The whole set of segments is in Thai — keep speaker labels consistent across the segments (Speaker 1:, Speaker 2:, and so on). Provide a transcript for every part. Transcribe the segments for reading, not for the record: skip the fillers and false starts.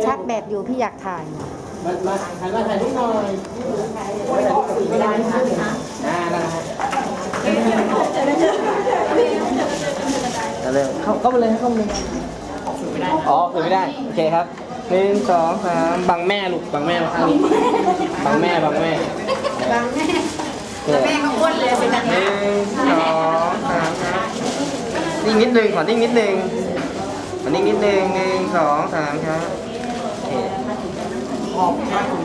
Speaker 1: ชาร์จแบตอยู่พี่อยากถ่าย
Speaker 2: มาถ่ายนิดหน่อยไม่ได้ค่ะเร็วเข้าไปเลยเข้าไปเลยอ๋อคือไม่ได้โอเคครับ1 2 3บังแม่ลูกบังแม่มาข้างนี้บังแม่
Speaker 1: แม่ก็อ้วนเลยเป็นแบบนี้
Speaker 2: 1 2 3ครับนิ่งนิดนึงขอนิ่งนิดนึงขอนิ่งนิดนึง1 2 3ครับโอเคขอบคุณครับ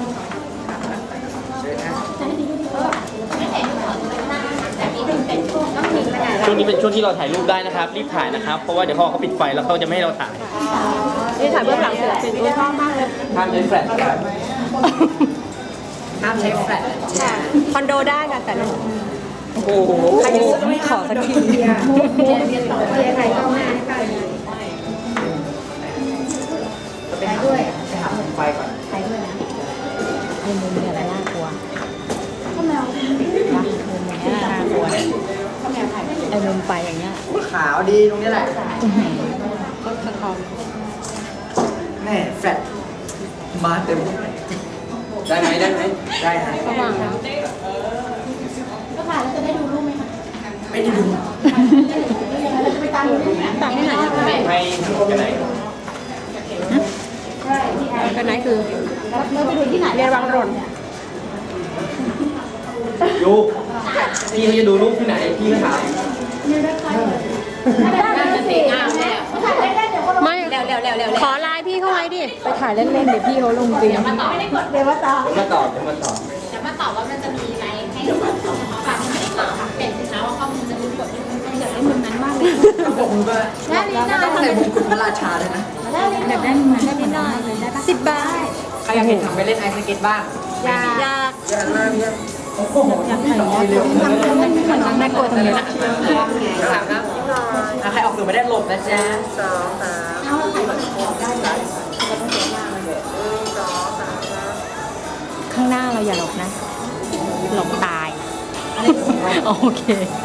Speaker 2: ช่วงนี้เป็นช่วงที่เราถ่ายรูปได้นะครับรีบถ่ายนะครับเพราะว่าเดี๋ยวพอเขาปิดไฟแล้วเขาจะไม่ให้เราถ่าย
Speaker 1: นี่ถ่ายเบื้องหลังเสร็จเป็นชอบมากเลย
Speaker 2: ห้ามใช้แฟลชครับ
Speaker 1: ห้ามใช้แฟลชคอนโดได้ค่ะแต่
Speaker 2: โอ้โห
Speaker 1: ใครยังไม่ขอสักทีเรียนต่อเรียนไหนก็มาไปด้วย
Speaker 2: ไฟก่อน
Speaker 1: ไปด้วยนะไอ้มุมเนี่ยอะไรน่ากลัวข้าวแมวมุมอย่างเงี้ยน่ากลัวข้าวแมวถ่ายไอ้มุมไปอย่างเงี้ย
Speaker 2: ขาวดีตรงนี้แหละ
Speaker 1: ก็สะท้อน
Speaker 2: แม่แฟลชมาเต็มได้ไหมได้ฮะ
Speaker 1: สว่างแล้วก็ถ่ายแล้วจะได้ดูรูปไหมคะ
Speaker 2: ไม่ได้ดู
Speaker 1: ไปตามดูต่างที่ไหน
Speaker 2: ให้กันไหน
Speaker 1: กันไหนคือเราไปดูที่ไหนเรียนวังรน
Speaker 2: ดูพี่เขาจะดูรูปที่ไหนพี่ก็ถ่าย
Speaker 1: ไม่ขอไลน์พี่เขาไว้ดิไปถ่ายเล่นๆเดี๋ยวพี่เขาลงจริงเดี๋ยวมาตอบ
Speaker 3: ว่ามันจะมีไลน์ให้ดูฝากให้ตอบเป็นสินค้าว่าข้อมูลจะมีกดที่มันอยากได้มุมนั้นมากเลย
Speaker 2: ผมก็ใส่มงกุฎพระราชาเลยนะ
Speaker 1: แบบได้มุมนั้นนิดหน่อย10 บาท
Speaker 2: ใครอยากเห็นทำไปเล่นไอซ์สเก็ตบ้าง
Speaker 1: อยาก
Speaker 2: มากโอ้โห
Speaker 1: อยากถ่ายเร็วทำน้องแม่กลัวตรงนี้นะ
Speaker 2: ใครออกสื่อไม่ได้หลบนะจ๊ะ2 3
Speaker 1: ข้างหน้าเราอย่าหลบนะหลบตายโอเค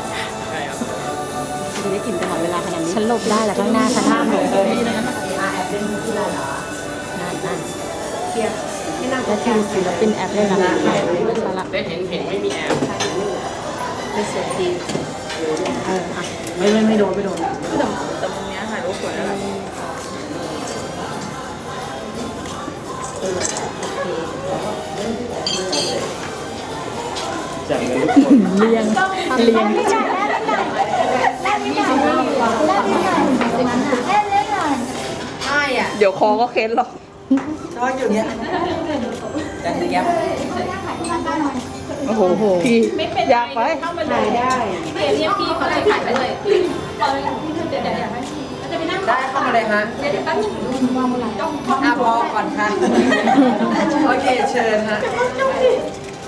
Speaker 1: จะได้กินตลอดเวลาขนาดนี้ฉันหลบได้แต่ข้างหน้าฉันห้ามหลบนั่นและทีมศิลปินแอบได้รับ
Speaker 2: ได้เห็นไม่มีแอบ
Speaker 1: เป็นเสียที
Speaker 2: ไม่โดน
Speaker 3: แต่มุมนี้ถ่ายรูปสวยแล้ว
Speaker 2: จากเงิน
Speaker 1: เลี้ยง
Speaker 3: เดี๋ยวคอก็เค้นหรอก
Speaker 2: ชอบอยู่เนี้ยจังเลยครับ
Speaker 1: โอ้โหพี่อยากไป
Speaker 3: ถ่ายได้พี่เรียกพี่เขาเลยถ่ายไปเลยเดี๋ยวให้จะไปนั่ง
Speaker 2: ได้เข้ามาเลยฮะ
Speaker 3: เดี๋ยวแป๊บนึง
Speaker 2: พอก่อนค่ะโอเคเชิญฮะ